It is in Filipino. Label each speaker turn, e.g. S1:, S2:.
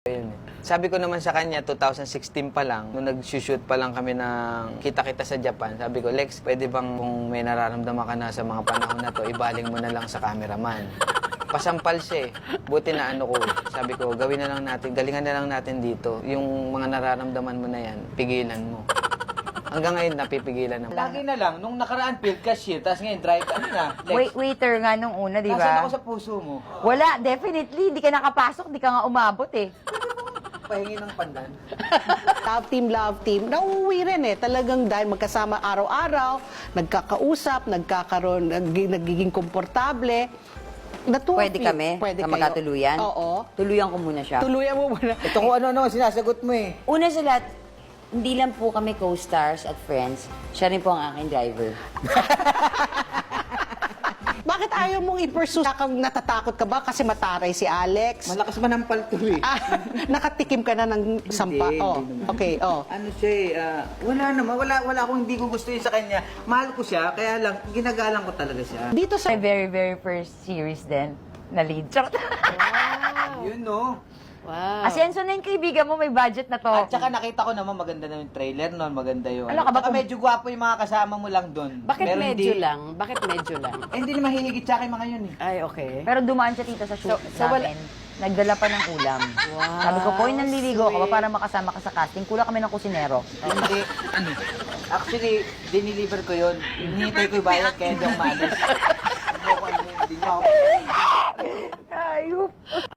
S1: Yun eh. Sabi ko naman sa kanya, 2016 pa lang, nung nag-shoot pa lang kami ng Kita-Kita sa Japan, sabi ko, Lex, pwede bang kung may nararamdaman ka na sa mga panahon na to, ibaling mo na lang sa cameraman. Pasampal siya eh. Buti na ano ko, sabi ko, gawin na lang natin, galingan na lang natin dito. Yung mga nararamdaman mo na yan, pigilan mo. Hanggang ngayon, napipigilan naman.
S2: Lagi na lang, nung nakaraan field cashier, tapos ngayon drive, ano na, Lex?
S3: Waiter nga nung una, di
S2: Nasaan
S3: ba?
S2: ako sa puso mo?
S3: Wala, definitely. Di ka nakapasok, di ka nga umabot eh.
S2: Pahingi ng pandan.
S4: Love team, nauuwi rin eh. Talagang dahil magkasama araw-araw, nagkakausap, nagiging komportable.
S3: Pwede kami?
S4: Pwede
S3: na
S4: kayo.
S3: magkatuluyan?
S4: Oo.
S3: Tuluyan ko muna siya.
S4: Tuluyan mo muna.
S2: Ito kung ano-ano, sinasagot mo eh.
S3: Una sa lahat, hindi lang po kami co-stars at friends. Siya rin po ang aking driver.
S4: Bakit ayaw mong i-pursue? Natatakot ka ba kasi mataray si Alex?
S2: Malakas manampal to eh.
S4: Nakatikim ka na ng sampa.
S2: Hindi,
S4: Oh,
S2: hindi naman.
S4: okay, oh.
S2: Ano siya eh, wala naman, wala akong hindi ko gusto sa kanya. Mahal ko siya, kaya lang, ginagalang ko talaga siya.
S4: Dito sa
S3: My very, very first series din na lead. Charot.
S2: Yun no.
S4: Wow.
S3: Asenso na yung kaibigan mo, may budget na to.
S2: At saka nakita ko naman maganda na yung trailer noon, maganda yung
S3: Ano ka ba
S2: Tsaka
S3: kung-
S2: medyo gwapo yung mga kasama mo lang doon.
S5: Bakit
S2: Pero
S5: medyo
S2: hindi-
S5: lang? Bakit medyo lang?
S2: hindi na mahihigit sa akin mga yun eh.
S5: Ay, okay.
S3: Pero dumaan siya tita sa shoot
S5: So
S3: namin. Nagdala pa ng ulam. Sabi ko, Poy, nanliligo ka ba para makasama ka sa casting? Kulang kami ng kusinero.
S2: Hindi, ano, actually, diniliver ko yun. Hinihintay ko yung bayad kaya hindi ako maalis. Hindi ako, hindi niyo ako.
S3: Ayup.